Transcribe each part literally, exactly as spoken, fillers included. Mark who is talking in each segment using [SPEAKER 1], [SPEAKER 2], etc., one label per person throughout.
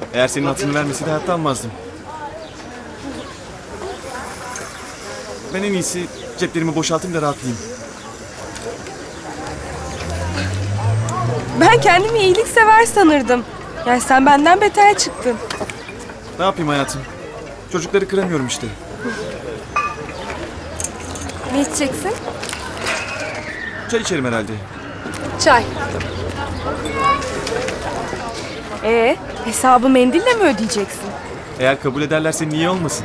[SPEAKER 1] Eğer senin hatırını vermeseydi hayatta almazdım. Ben en iyisi ceplerimi boşaltayım da rahatlayayım.
[SPEAKER 2] Ben kendimi iyiliksever sanırdım. Yani sen benden beter çıktın.
[SPEAKER 1] Ne yapayım hayatım? Çocukları kıramıyorum işte.
[SPEAKER 2] Ne içeceksin?
[SPEAKER 1] Çay içerim herhalde.
[SPEAKER 2] Çay. Ee, hesabı mendille mi ödeyeceksin?
[SPEAKER 1] Eğer kabul ederlerse niye olmasın?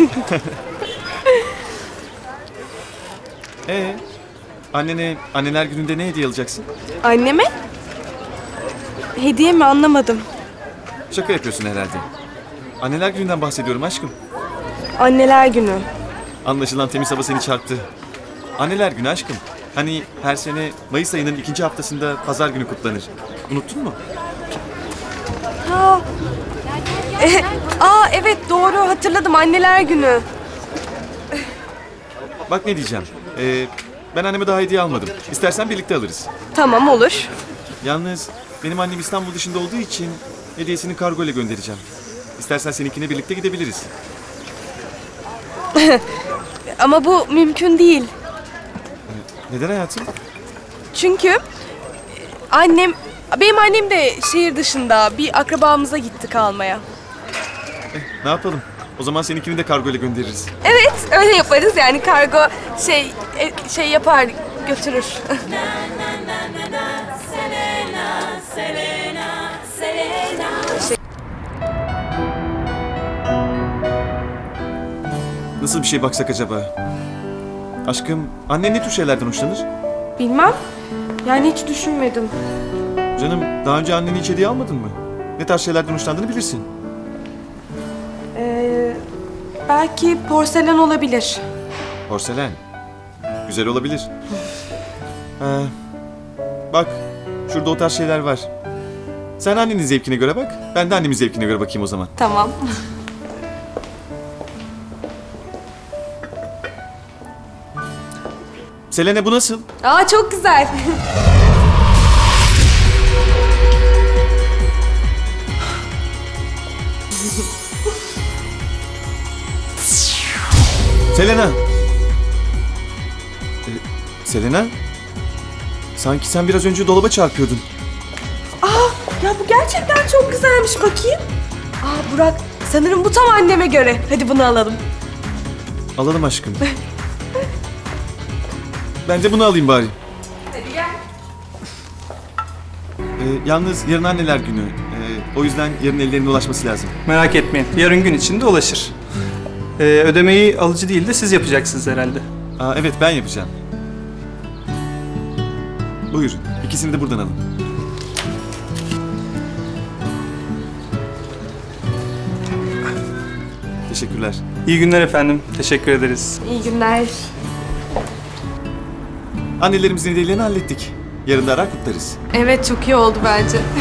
[SPEAKER 1] Ee, annene anneler gününde ne hediye alacaksın?
[SPEAKER 2] Anneme? Hediye mi anlamadım.
[SPEAKER 1] Şaka yapıyorsun herhalde. Anneler gününden bahsediyorum aşkım.
[SPEAKER 2] Anneler günü.
[SPEAKER 1] Anlaşılan temiz hava seni çarptı. Anneler günü aşkım. Hani her sene Mayıs ayının ikinci haftasında pazar günü kutlanır. Unuttun mu?
[SPEAKER 2] Ha. E, aa evet doğru hatırladım anneler günü.
[SPEAKER 1] Bak ne diyeceğim. Ee, ben anneme daha hediye almadım. İstersen birlikte alırız.
[SPEAKER 2] Tamam olur.
[SPEAKER 1] Yalnız benim annem İstanbul dışında olduğu için hediyesini kargo ile göndereceğim. İstersen seninkine birlikte gidebiliriz.
[SPEAKER 2] Ama bu mümkün değil.
[SPEAKER 1] Neden hayatım?
[SPEAKER 2] Çünkü annem, benim annem de şehir dışında bir akrabamıza gitti kalmaya.
[SPEAKER 1] Ne yapalım? O zaman seninkini de kargo ile göndeririz.
[SPEAKER 2] Evet öyle yaparız yani kargo şey e, şey yapar götürür.
[SPEAKER 1] Nasıl bir şey baksak acaba? Aşkım, annen ne tür şeylerden hoşlanır?
[SPEAKER 2] Bilmem. Yani hiç düşünmedim.
[SPEAKER 1] Canım, daha önce anneni hiç hediye almadın mı? Ne tarz şeylerden hoşlandığını bilirsin.
[SPEAKER 2] Ee, belki porselen olabilir.
[SPEAKER 1] Porselen. Güzel olabilir. Ha, bak, şurada o tarz şeyler var. Sen annenin zevkine göre bak, ben de annemin zevkine göre bakayım o zaman.
[SPEAKER 2] Tamam.
[SPEAKER 1] Selene bu nasıl?
[SPEAKER 2] Aa çok güzel.
[SPEAKER 1] Selena! Ee, Selena? Sanki sen biraz önce dolaba çarpıyordun.
[SPEAKER 2] Ya bu gerçekten çok güzelmiş bakayım. Aa Burak sanırım bu tam anneme göre. Hadi bunu alalım.
[SPEAKER 1] Alalım aşkım. Ben de bunu alayım bari.
[SPEAKER 2] Hadi gel.
[SPEAKER 1] Ee, yalnız yarın anneler günü. Ee, o yüzden yarın ellerine ulaşması lazım.
[SPEAKER 3] Merak etmeyin. Yarın gün içinde ulaşır. Ee, ödemeyi alıcı değil de siz yapacaksınız herhalde.
[SPEAKER 1] Aa, evet ben yapacağım. Buyurun. İkisini de buradan alın. Teşekkürler.
[SPEAKER 3] İyi günler efendim. Teşekkür ederiz.
[SPEAKER 2] İyi günler.
[SPEAKER 1] Annelerimizin hediyelerini hallettik. Yarın da arar kutlarız.
[SPEAKER 2] Evet çok iyi oldu bence.